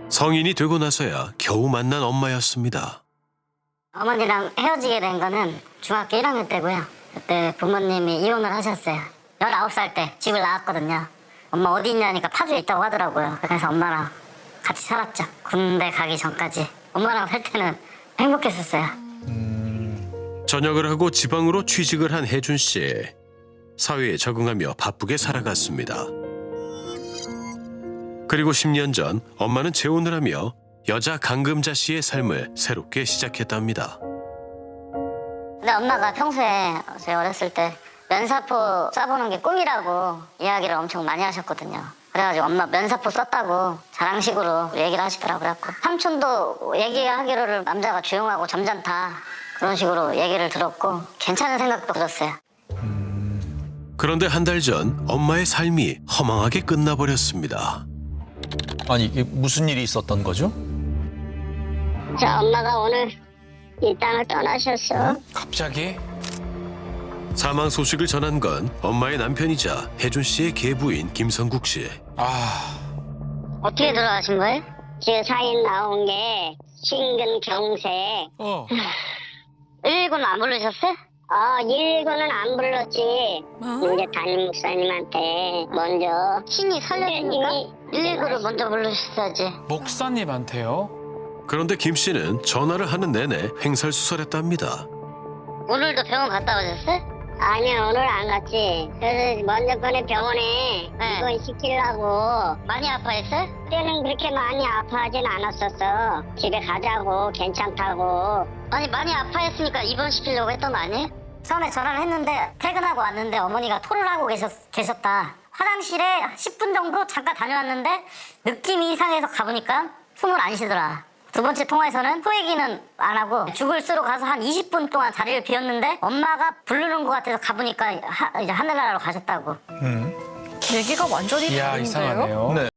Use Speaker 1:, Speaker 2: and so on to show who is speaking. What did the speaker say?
Speaker 1: 성인이 되고 나서야 겨우 만난 엄마였습니다.
Speaker 2: 어머니랑 헤어지게 된 거는 중학교 1학년 때고요. 그때 부모님이 이혼을 하셨어요. 19살 때 집을 나왔거든요. 엄마 어디 있냐니까 파주에 있다고 하더라고요. 그래서 엄마랑 같이 살았죠. 군대 가기 전까지. 엄마랑 살 때는 행복했었어요.
Speaker 1: 전역을 하고 지방으로 취직을 한 혜준 씨. 사회에 적응하며 바쁘게 살아갔습니다. 그리고 10년 전 엄마는 재혼을 하며 여자 강금자 씨의 삶을 새롭게 시작했답니다.
Speaker 2: 근데 엄마가 평소에 저희 어렸을 때 면사포 쏴보는 게 꿈이라고 이야기를 엄청 많이 하셨거든요. 그래가지고 엄마 면사포 썼다고 자랑식으로 얘기를 하시더라고요. 삼촌도 얘기하기로를 남자가 조용하고 점잖다 그런 식으로 얘기를 들었고 괜찮은 생각도 들었어요.
Speaker 1: 그런데 한 달 전 엄마의 삶이 허망하게 끝나버렸습니다.
Speaker 3: 아니 이게 무슨 일이 있었던 거죠?
Speaker 2: 자, 엄마가 오늘 이 땅을 떠나셨어.
Speaker 3: 갑자기?
Speaker 1: 사망 소식을 전한 건 엄마의 남편이자 혜준 씨의 계부인 김성국 씨.
Speaker 2: 어떻게 들어가신 거예요? 지금 사인 나온 게 심근경색. 119는 안 부르셨어요? 119는 안 불렀지. 이제 담임 목사님한테 먼저 신이 살려주니까 119를 먼저 부르셨어야지.
Speaker 4: 목사님한테요?
Speaker 1: 그런데 김 씨는 전화를 하는 내내 횡설수설했답니다.
Speaker 2: 오늘도 병원 갔다 오셨어요? 아니요, 오늘 안 갔지. 그래서 먼저 꺼내 병원에 입원시키려고. 많이 아파했어요? 그때는 그렇게 많이 아파하진 않았었어. 집에 가자고, 괜찮다고. 아니, 많이 아파했으니까 입원시키려고 했던 거 아니에요? 처음에 전화를 했는데 퇴근하고 왔는데 어머니가 토를 하고 계셨다. 화장실에 10분 정도 잠깐 다녀왔는데 느낌이 이상해서 가보니까 숨을 안 쉬더라. 두 번째 통화에서는 토 얘기는 안 하고 죽을 쓰러 가서 한 20분 동안 자리를 비웠는데 엄마가 부르는 것 같아서 가보니까 이제 하늘나라로 가셨다고.
Speaker 5: 얘기가 완전히
Speaker 4: 이야,
Speaker 5: 다른데요?
Speaker 4: 이상하네요.
Speaker 3: 네.